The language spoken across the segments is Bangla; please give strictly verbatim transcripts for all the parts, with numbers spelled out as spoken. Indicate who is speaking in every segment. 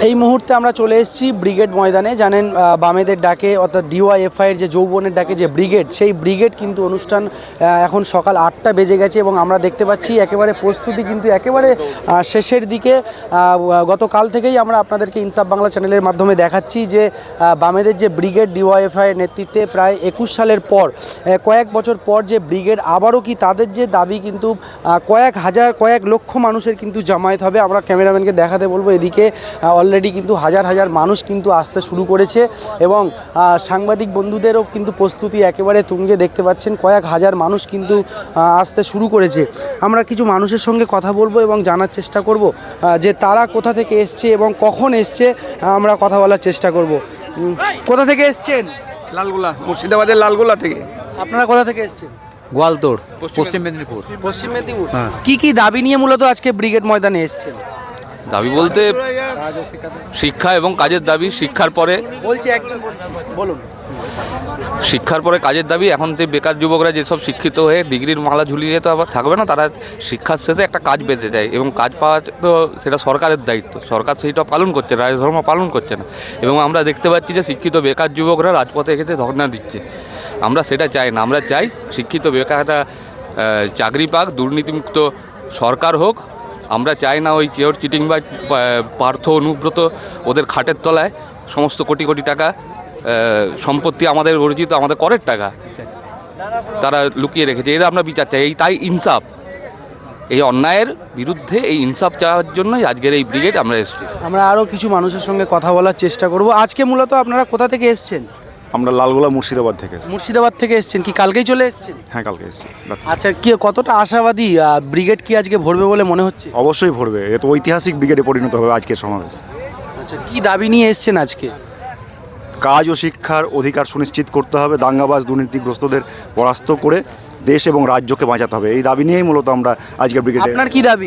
Speaker 1: এই মুহূর্তে আমরা চলে এসেছি ব্রিগেড ময়দানে। জানেন বামেদের ডাকে অর্থাৎ ডিওয়াইএফআইয়ের যে যৌবনের ডাকে যে ব্রিগেড, সেই ব্রিগেড কিন্তু অনুষ্ঠান এখন সকাল আটটা বেজে গেছে এবং আমরা দেখতে পাচ্ছি একেবারে প্রস্তুতি কিন্তু একেবারে শেষের দিকে। গতকাল থেকেই আমরা আপনাদেরকে ইনসাফ বাংলা চ্যানেলের মাধ্যমে দেখাচ্ছি যে বামেদের যে ব্রিগেড ডিওয়াইএফআইয়ের নেতৃত্বে প্রায় একুশ সালের পর, কয়েক বছর পর যে ব্রিগেড আবারও কি তাদের যে দাবি কিন্তু কয়েক হাজার কয়েক লক্ষ মানুষের কিন্তু জামায়াত হবে। আমরা ক্যামেরাম্যানকে দেখাতে বলবো, এদিকে অলরেডি কিন্তু হাজার হাজার মানুষ কিন্তু আসতে শুরু করেছে এবং সাংবাদিক বন্ধুদেরও কিন্তু প্রস্তুতি একেবারে তুঙ্গে। দেখতে পাচ্ছেন কয়েক হাজার মানুষ কিন্তু আসতে শুরু করেছে। আমরা কিছু মানুষের সঙ্গে কথা বলবো এবং জানার চেষ্টা করব যে তারা কোথা থেকে এসছে এবং কখন এসছে। আমরা কথা বলার চেষ্টা করব। কোথা থেকে এসছেন?
Speaker 2: লালগোলা, মুর্শিদাবাদের লালগোলা থেকে।
Speaker 1: আপনারা কোথা থেকে এসছেন?
Speaker 3: গোয়ালতোড়, পশ্চিম মেদিনীপুর।
Speaker 1: পশ্চিম মেদিনীপুর। কি কি দাবি নিয়ে মূলত আজকে ব্রিগেড ময়দানে এসছেন?
Speaker 4: দাবি বলতে শিক্ষা এবং কাজের দাবি। শিক্ষার পরে
Speaker 1: বলছি একজন বলছি বলুন
Speaker 4: শিক্ষার পরে কাজের দাবি। এখন যে বেকার যুবকরা যেসব শিক্ষিত হয়ে ডিগ্রির মালা ঝুলিয়ে তো আবার থাকবে না, তারা শিক্ষার শেষে একটা কাজ পেতে চায় এবং কাজ পাওয়া তো সেটা সরকারের দায়িত্ব। সরকার সেইটা পালন করছে, রাজধর্ম পালন করছে না। এবং আমরা দেখতে পাচ্ছি যে শিক্ষিত বেকার যুবকরা রাজপথে এসে ধর্ণা দিচ্ছে। আমরা সেটা চাই না। আমরা চাই শিক্ষিত বেকাররা চাকরি পাক, দুর্নীতিমুক্ত সরকার হোক। আমরা চাই না ওই চেয়র চিটিং বা পার্থ অনুব্রত ওদের খাটের তলায় সমস্ত কোটি কোটি টাকা সম্পত্তি আমাদের অর্জিত, আমাদের করের টাকা তারা লুকিয়ে রেখেছে। এরা আমরা বিচার চাই। এই তাই ইনসাফ, এই অন্যায়ের বিরুদ্ধে এই ইনসাফ চাওয়ার জন্যই আজকের এই ব্রিগেড আমরা এসেছি।
Speaker 1: আমরা আরও কিছু মানুষের সঙ্গে কথা বলার চেষ্টা করব। আজকে মূলত আপনারা কোথা থেকে এসছেন?
Speaker 5: আমরা লালগোলা মুর্শিদাবাদ থেকে এসেছি।
Speaker 1: মুর্শিদাবাদ থেকে এসছেন, কি কালকেই চলে এসেছেন?
Speaker 5: হ্যাঁ, কালকে এসেছি।
Speaker 1: আচ্ছা, কি কতটা আশাবাদী ব্রিগেড কি আজকে ভরবে বলে মনে হচ্ছে?
Speaker 5: অবশ্যই ভরবে। এ তো ঐতিহাসিক ব্রিগেডে পরিণত হবে আজকের সমাবেশ।
Speaker 1: আচ্ছা, কি দাবি নিয়ে এসেছেন আজকে?
Speaker 5: কাজ ও শিক্ষার অধিকার সুনিশ্চিত করতে হবে, দাঙ্গাবাজ দুর্নীতিগ্রস্তদের পরাস্ত করে দেশ এবং রাজ্যকে বাঁচাতে হবে। এই দাবি নিয়েই মূলত আমরা আজকের ব্রিগেডে।
Speaker 1: আপনার কি দাবি?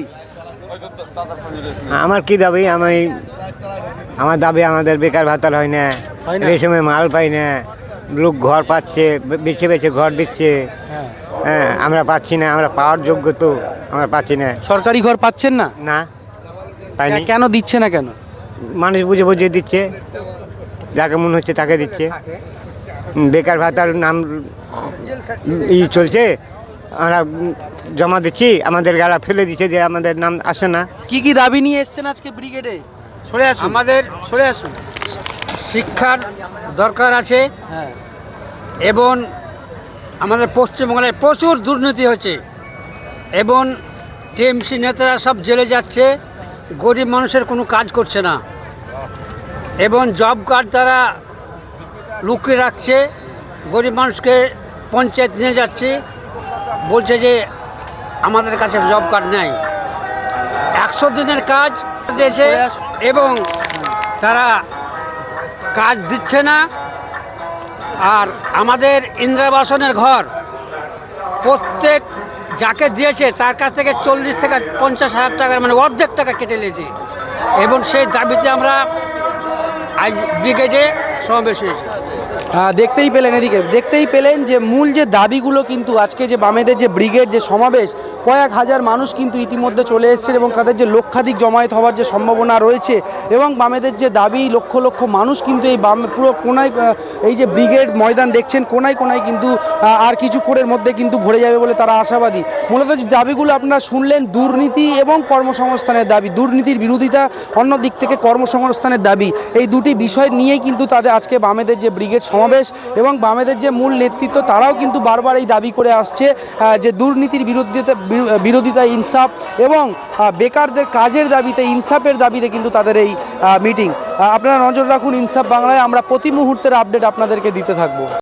Speaker 6: আমার কি দাবি? আমি আমার দাবি আমাদের বেকার ভাতার হয় না, এই সময় মাল পাই না, লোক ঘর পাচ্ছে, বেছে বেছে ঘর দিচ্ছে। হ্যাঁ, আমরা পাচ্ছি না। আমরা পাওয়ার যোগ্য তো আমরা পাচ্ছি না।
Speaker 1: সরকারি ঘর পাচ্ছেন না?
Speaker 6: না, পাইনি।
Speaker 1: কেন দিচ্ছে না? কেন?
Speaker 6: মানুষ বুঝে বুঝে দিচ্ছে, যাকে মনে হচ্ছে তাকে দিচ্ছে। বেকার ভাতার নাম ই চলছে, আমরা জমা দিচ্ছি, আমাদের গাড়া ফেলে দিচ্ছে যে আমাদের নাম আসে না।
Speaker 1: কি কি দাবি নিয়ে এসছেন আজকে ব্রিগেডে? সরে আসুন,
Speaker 7: আমাদের
Speaker 1: সরে আসুন।
Speaker 7: শিক্ষার দরকার আছে।
Speaker 1: হ্যাঁ,
Speaker 7: এবং আমাদের পশ্চিমবঙ্গে প্রচুর দুর্নীতি হচ্ছে এবং টিএমসি নেতারা সব জেলে যাচ্ছে, গরিব মানুষের কোনো কাজ করছে না এবং জব কার্ড দ্বারা লুকিয়ে রাখছে। গরিব মানুষকে পঞ্চায়েত নিয়ে যাচ্ছে, বলছে যে আমাদের কাছে জব কার্ড নেই। একশো দিনের কাজ দিয়েছে এবং তারা কাজ দিচ্ছে না। আর আমাদের ইন্দিরাবাসনের ঘর প্রত্যেক যাকে দিয়েছে তার কাছ থেকে চল্লিশ থেকে পঞ্চাশ হাজার টাকার মানে অর্ধেক টাকা কেটে নিয়েছে এবং সেই দাবিতে আমরা আজ ব্রিগেডে সমাবেশ হয়েছি।
Speaker 1: দেখতেই পেলেন, এদিকে দেখতেই পেলেন যে মূল যে দাবিগুলো কিন্তু আজকে যে বামেদের যে ব্রিগেড যে সমাবেশ, কয়েক হাজার মানুষ কিন্তু ইতিমধ্যে চলে এসেছে এবং তাদের যে লক্ষাধিক জমায়েত হওয়ার যে সম্ভাবনা রয়েছে এবং বামেদের যে দাবি, লক্ষ লক্ষ মানুষ কিন্তু এই বাম পুরো কোনায়, এই যে ব্রিগেড ময়দান দেখছেন কোনায় কোনায় কিন্তু আর কিছুক্ষণের মধ্যে কিন্তু ভরে যাবে বলে তারা আশাবাদী। মূলত যে দাবিগুলো আপনারা শুনলেন, দুর্নীতি এবং কর্মসংস্থানের দাবি, দুর্নীতির বিরোধিতা, অন্য দিক থেকে কর্মসংস্থানের দাবি, এই দুটি বিষয় নিয়েই কিন্তু তাদের আজকে বামেদের যে ব্রিগেড সমাবেশ এবং বামেদের যে মূল নেতৃত্ব তারাও কিন্তু বারবার এই দাবি করে আসছে যে দুর্নীতির বিরোধিতা বিরোধিতা ইনসাফ এবং বেকারদের কাজের দাবিতে ইনসাফের দাবিতে কিন্তু তাদের এই মিটিং। আপনারা নজর রাখুন ইনসাফ বাংলায়, আমরা প্রতি মুহূর্তের আপডেট আপনাদেরকে দিতে থাকবো।